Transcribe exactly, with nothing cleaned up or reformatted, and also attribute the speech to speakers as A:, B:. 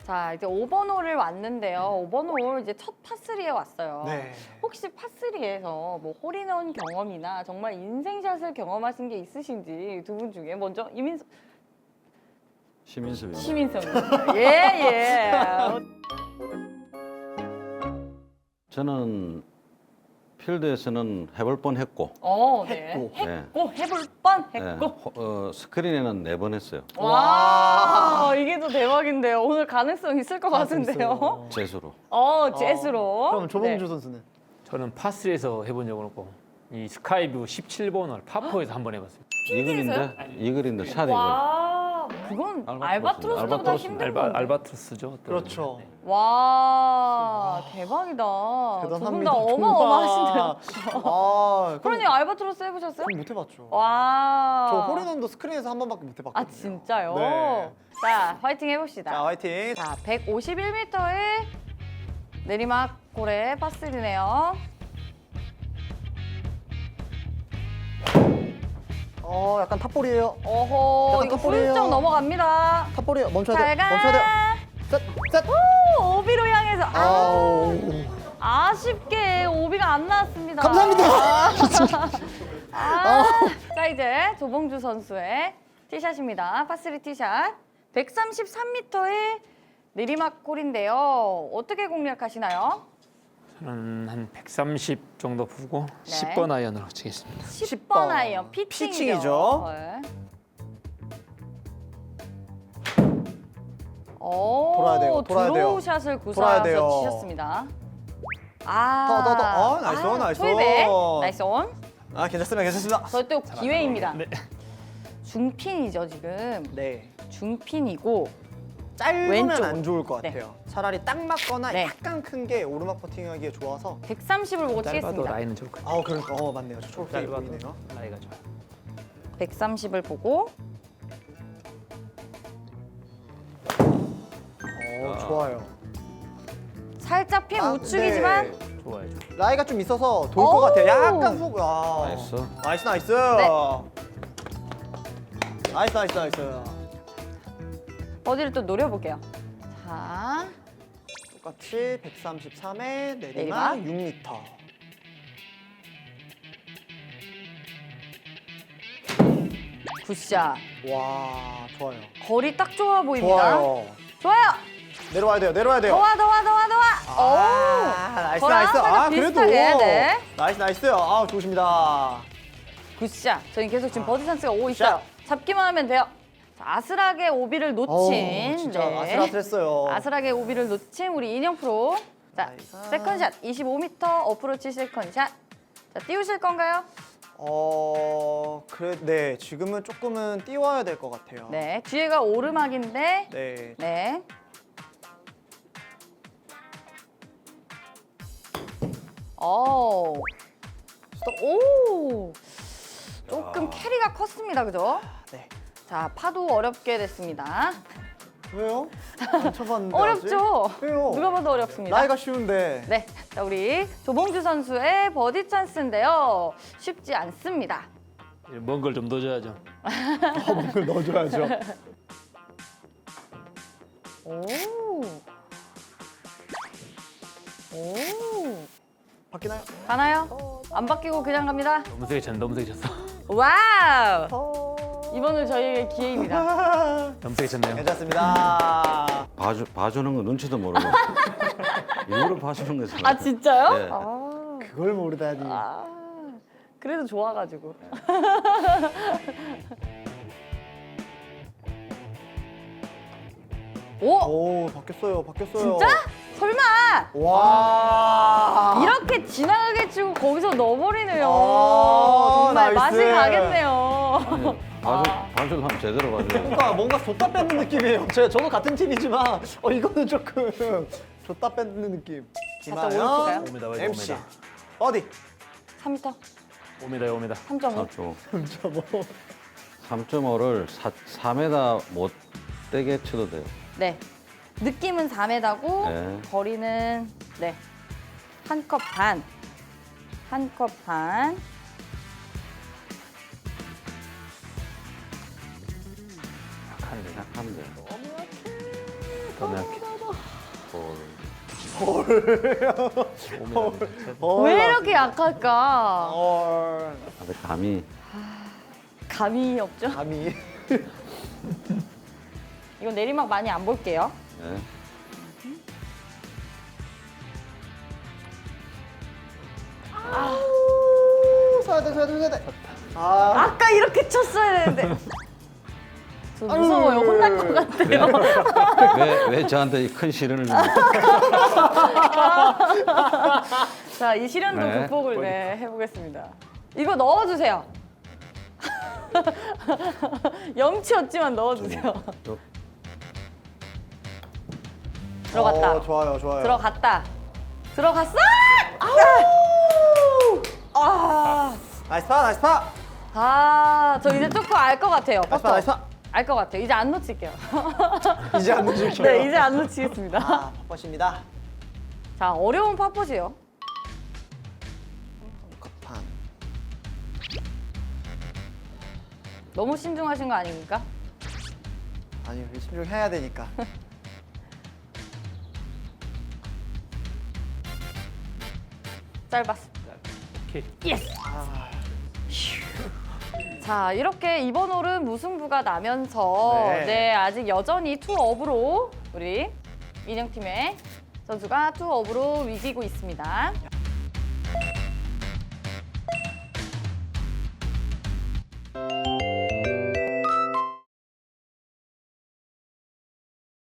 A: 자, 이제 오 번 홀을 왔는데요. 오 번 홀 이제 첫 파쓰리에 왔어요.
B: 네.
A: 혹시 파쓰리에서 뭐 홀인원 경험이나 정말 인생샷을 경험하신 게 있으신지 두 분 중에 먼저 이민석
C: 시민섭입니다.
A: 시민성. 예, 예.
C: 저는 필드에서는 해볼 뻔했고,
A: 어, 네.
B: 했고.
C: 네.
A: 했고 해볼 뻔
C: 네,
A: 했고.
C: 호- 어, 스크린에는 네 번 했어요.
A: 와, 이게 더 대박인데요. 오늘 가능성 있을 것 같은데요.
C: 재수로.
A: 어, 재즈로.
B: 그럼 조봉주
A: 네.
B: 선수는?
D: 저는 파스리에서 해본 적은 없고 이 스카이뷰 십칠 번을 파포에서 한 번 해봤어요.
C: 이글인데? 이글인데 샷 이글.
A: 와, 그건
C: 알바트로스.
A: 알바트로스보다
C: 알바트로스.
A: 힘든
D: 알바,
A: 건데.
D: 알바트로스죠. 또.
B: 그렇죠.
D: 네.
A: 와, 대박이다. 두 분
B: 대단합니다.
A: 다 어마어마하신데요.
B: 아,
A: 그러니 알바트로스 해보셨어요?
B: 전 못 해봤죠.
A: 와.
B: 저 홀인원도 스크린에서 한 번밖에 못 해봤거든요.
A: 아, 진짜요?
B: 네.
A: 자, 화이팅 해봅시다.
B: 자, 화이팅.
A: 자, 백오십일 미터의 내리막 고래 파스리네요.
B: 어, 약간 탑볼이에요.
A: 어허,
B: 약간
A: 이거
B: 탑볼이에요.
A: 훌쩍 넘어갑니다.
B: 탑볼이에요. 멈춰야
A: 잘
B: 돼요.
A: 가.
B: 멈춰야 돼요. 셋, 셋.
A: 오, 오비로 향해서. 아,
B: 아우.
A: 아쉽게 오비가 안 나왔습니다.
B: 감사합니다.
A: 아, 자, 이제 조봉주 선수의 티샷입니다. 파쓰리 티샷. 백삼십삼 미터의 내리막 홀인데요. 어떻게 공략하시나요?
D: 저는 한 백삼십 정도 보고
A: 네.
D: 십 번 아이언으로 치겠습니다.
A: 십 번 아이언 피칭이죠.
B: 피칭이죠.
A: 네. 오,
B: 돌아야 돼요, 돌아야 돼요.
A: 드로우 샷을
B: 돌아야
A: 구사해서
B: 돼요.
A: 치셨습니다. 아,
B: 더, 더, 더. 어, 나이스 온, 나이스
A: 초이백.
B: 온.
A: 나이스 온.
B: 아, 괜찮습니다. 괜찮습니다.
A: 저희 또 기회입니다.
D: 네.
A: 중핀이죠, 지금.
B: 네.
A: 중핀이고.
B: 짧으면
A: 왼쪽.
B: 안 좋을 것
A: 네.
B: 같아요. 차라리 딱 맞거나
A: 네.
B: 약간 큰 게 오르막 퍼팅하기에 좋아서.
A: 백삼십을 보고
D: 짧아도
A: 치겠습니다.
D: 라인은 좋을 것
B: 아우, 그러니까 어 맞네요. 저 초록색이
D: 짧아도
B: 보이네요.
D: 라이가 좋아요.
A: 백삼십을 보고.
B: 어, 좋아요.
A: 살짝 핀
B: 아,
A: 우측이지만.
B: 네.
D: 좋아요, 좋아요.
B: 라이가 좀 있어서 돌
A: 오.
B: 것 같아요. 약간 속. 아.
C: 나이스.
B: 나이스, 나이스.
A: 네.
B: 나이스, 나이스, 나이스.
A: 버디를 또 노려볼게요. 자,
B: 똑같이 백삼십삼에
A: 내리막.
B: 내리막 육 미터.
A: 굿샷.
B: 와, 좋아요.
A: 거리 딱 좋아 보입니다.
B: 좋아요.
A: 좋아요.
B: 내려와야 돼요. 내려와야 돼요.
A: 더와 더와 더와 더와.
B: 아, 나이스,
A: 저랑
B: 나이스.
A: 살짝
B: 아, 그래도.
A: 비슷하게, 네.
B: 나이스, 나이스. 아, 좋으십니다.
A: 굿샷. 저희 계속 지금 버디 찬스가 오고 있어요. 잡기만 하면 돼요. 자, 아슬하게 오비를 놓친.
B: 어우, 진짜
A: 네.
B: 아슬아슬했어요.
A: 아슬하게 오비를 놓친 우리 인형 프로. 자,
B: 나이스.
A: 세컨샷 이십오 미터 어프로치 세컨샷. 자, 띄우실 건가요?
B: 어, 그래, 네. 지금은 조금은 띄워야 될 것 같아요.
A: 네. 뒤에가 오르막인데.
B: 네.
A: 네. 오. 스톱. 오. 조금 캐리가 컸습니다. 그죠?
B: 네.
A: 자, 파도 어렵게 됐습니다.
B: 왜요? 안 쳐봤는데.
A: 어렵죠?
B: 아직? 왜요?
A: 누가 봐도 어렵습니다.
B: 라이가 쉬운데.
A: 네. 자, 우리 조봉주 선수의 버디 찬스인데요. 쉽지 않습니다.
D: 먼 걸 좀 넣어줘야죠.
B: 어, 뭔가 넣어줘야죠.
A: 오. 오.
B: 바뀌나요?
A: 가나요? 안 바뀌고 그냥 갑니다.
D: 너무 세게 쳤어, 너무 세게 쳤어.
A: 와우.
B: 어...
A: 이번은 저희의 기회입니다.
D: 너무 세게 쳤네요.
B: 괜찮습니다.
C: 봐주, 봐주는 거 눈치도 모르고. 일부러 봐주는 거잖아요.
A: 아, 진짜요?
C: 네.
A: 아.
B: 그걸 모르다니.
A: 아. 그래도 좋아가지고. 오!
B: 오, 바뀌었어요. 바뀌었어요.
A: 진짜? 설마!
B: 와.
A: 이렇게 지나가게 치고 거기서 넣어버리네요.
B: 아,
A: 정말
B: 나이스.
A: 맛이 가겠네요.
C: 아니, 봐주,
A: 아.
C: 봐주려면 제대로 봐줘요.
B: 뭔가 뭔가 줬다 뺏는 느낌이에요. 제 저도 같은 팀이지만 어 이거는 조금 줬다 뺏는 느낌.
A: 살짝
B: 김하연,
A: 오른쪽가요?
D: 옵니다, 옵니다.
B: 엠씨 어디?
A: 삼 미터,
D: 옵니다, 옵니다.
A: 삼 점 오.
C: 삼 점 오. 삼 점 오를 사 미터 못 되게 쳐도 돼요.
A: 네. 느낌은 사 미터고
C: 네.
A: 거리는 네. 한 컵 반. 한 컵 반.
D: 약한데.
C: 약한데.
D: 너무 약해.
B: 어,
A: 왜 이렇게 약할까?
B: 어,
C: 아, 근데 감이
A: 감이 없죠?
B: 감이.
A: 이건 내리막 많이 안 볼게요.
C: 네.
B: 아우, 서야 돼, 서야 돼, 서야 돼. 아,
A: 아까 이렇게 쳤어야 되는데. 저 무서워요. 혼날 것 같아요.
C: 왜, 왜 저한테 이 큰 시련을 줍니까?
A: 자, 이 시련도
C: 네.
A: 극복을 네, 해보겠습니다. 이거 넣어주세요. 염치 없지만 넣어주세요.
C: 또
A: 들어갔다.
B: 어, 좋아요, 좋아요.
A: 들어갔다. 들어갔어! 아,
B: 나이스 파, 나이스 파.
A: 아, 저 이제 조금 알 것 같아요.
B: 나이스 파, 나이스 파.
A: 알 것 같아요. 이제 안 놓칠게요.
B: 이제 안 늦을게요.
A: 네, 이제 안 놓치겠습니다.
B: 아, 팝것입니다.
A: 자, 어려운 팝봇이요.
B: 컵판.
A: 너무 신중하신 거 아닙니까?
B: 아니, 우리 신중해야 되니까.
A: 짧았어.
D: 오케이.
A: 예스!
B: 아,
A: 자, 이렇게 이번 홀은 무승부가 나면서
B: 네.
A: 네, 아직 여전히 투업으로 우리 인형팀의 선수가 투업으로 이기고 있습니다.